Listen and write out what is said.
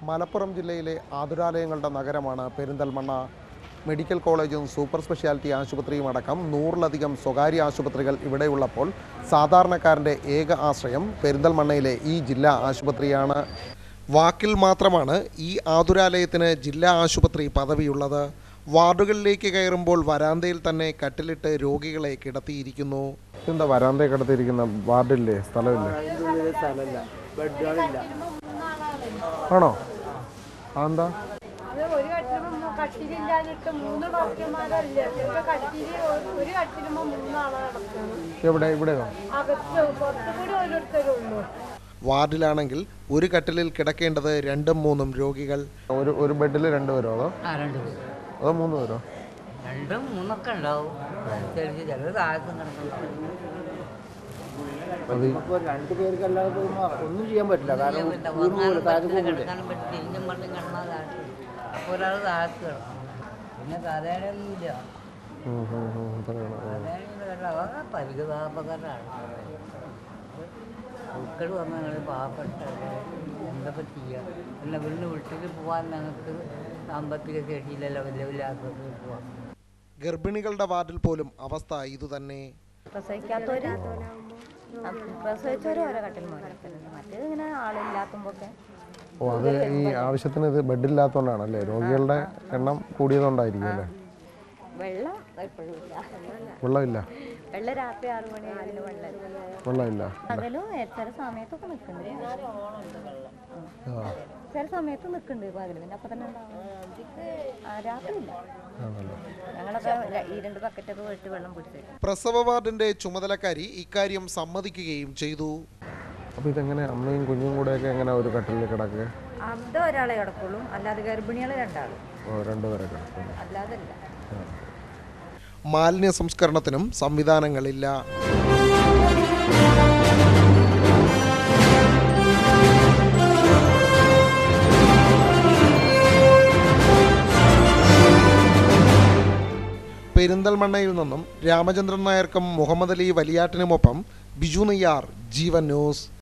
മലപ്പുറം ജില്ലയിലെ ആതുരാലയങ്ങളുടെ നഗരമാണ് പെരിന്തൽമണ്ണ. മെഡിക്കൽ കോളേജും സൂപ്പർ സ്പെഷ്യാലിറ്റി ആശുപത്രിയും അടക്കം 100-ലധികം സ്വകാര്യ ആശുപത്രികൾ ഇവിടെയുള്ളപ്പോൾ സാധാരണക്കാരൻ്റെ ഏക ആശ്രയം പെരിന്തൽമണ്ണയിലെ ഈ ജില്ലാ ആശുപത്രിയാണ്. വാക്കിൽ മാത്രമാണ് ഈ ആതുരാലയത്തിന് ജില്ലാ ആശുപത്രി പദവിയുള്ളത്. വാർഡുകളിലേക്ക് കയറുമ്പോൾ വരാന്തയിൽ തന്നെ കട്ടിലിട്ട് രോഗികളെ കിടത്തിയിരിക്കുന്നു. എന്താ വരാന്തയിൽ കിടത്തിയിരിക്കുന്ന? വാർഡില്ലേ? സ്ഥലമില്ലേ? ആണോ? എന്താ എവിടെ? ഇവിടെയോ? വാർഡിലാണെങ്കിൽ ഒരു കട്ടിലിൽ കിടക്കേണ്ടത് 2-3 രോഗികൾ. ഒരു ബെഡിൽ 2 പേരോ? അതോ 3 പേരോ? 2-3 ഉണ്ടാവും. ഒന്നും ചെയ്യാൻ പറ്റില്ല. ഒരാൾ താഴത്ത് കിടക്കണം. പിന്നെ കഥയൊന്നുമില്ല. പരിഗതാപകരാണ്. മക്കൾ വന്നാൽ പാവപ്പെട്ട എന്തൊക്കെ ചെയ്യാം. പിന്നെ വീടിന് വീട്ടിൽ പോകാൻ ഞങ്ങൾക്ക് സാമ്പത്തിക ശേഷിയിലല്ല, വലിയ വലിയ ആശുപത്രിയിൽ പോവാം. ഗർഭിണികളുടെ വാർഡിൽ പോലും അവസ്ഥ ഇതുതന്നെ. പ്രസവിച്ചവരും ഓരോ കട്ടിൽ മോശപ്പെടുന്നുണ്ട്. മറ്റേത് ഇങ്ങനെ ആളില്ലാത്തുമ്പോഴൊക്കെ. അത് ഈ ആവശ്യത്തിന് ഇത് ബെഡില്ലാത്തതുകൊണ്ടാണല്ലേ? രോഗികളുടെ എണ്ണം കൂടിയതുകൊണ്ടായിരിക്കും അല്ലേ? വെള്ളം എപ്പോഴും ഇല്ല. വെള്ളമില്ല. വെള്ളം രാത്രി 6 മണി വെള്ളമില്ല. പകലും ചില സമയത്തൊക്കെ നിൽക്കുന്നുണ്ട്. ചില സമയത്ത് നിൽക്കുന്നുണ്ട് പകല്. പിന്നെ അപ്പം തന്നെ ഉണ്ടാവും. രാത്രി ഇല്ല. ഞങ്ങളൊക്കെ 2 ബക്കറ്റൊക്കെ വെച്ച് വെള്ളം പിടിച്ചു. പ്രസവ വാർഡിന്റെ ചുമതലക്കാരി ഇക്കാര്യം സമ്മതിക്കുകയും ചെയ്തു. അപ്പോൾ ഇതെങ്ങനെ അമ്മയും കുഞ്ഞും കൂടെയൊക്കെ എങ്ങനെ ഒരു കട്ടിലിൽ കിടക്കുക? അത് ഒരാളെ കിടക്കുള്ളൂ, അല്ലാതെ ഗർഭിണികൾ 2 ആൾ. 2 പേരെ കിടക്കുള്ളൂ, അല്ലാതല്ല. മാലിന്യ സംസ്കരണത്തിനും സംവിധാനങ്ങളില്ല. പെരിന്തൽമണ്ണയിൽ നിന്നും രാമചന്ദ്രൻ നായർക്കും മുഹമ്മദ് അലി വലിയാട്ടിനുമൊപ്പം ബിജു നെയ്യാർ, ജീവൻ ന്യൂസ്.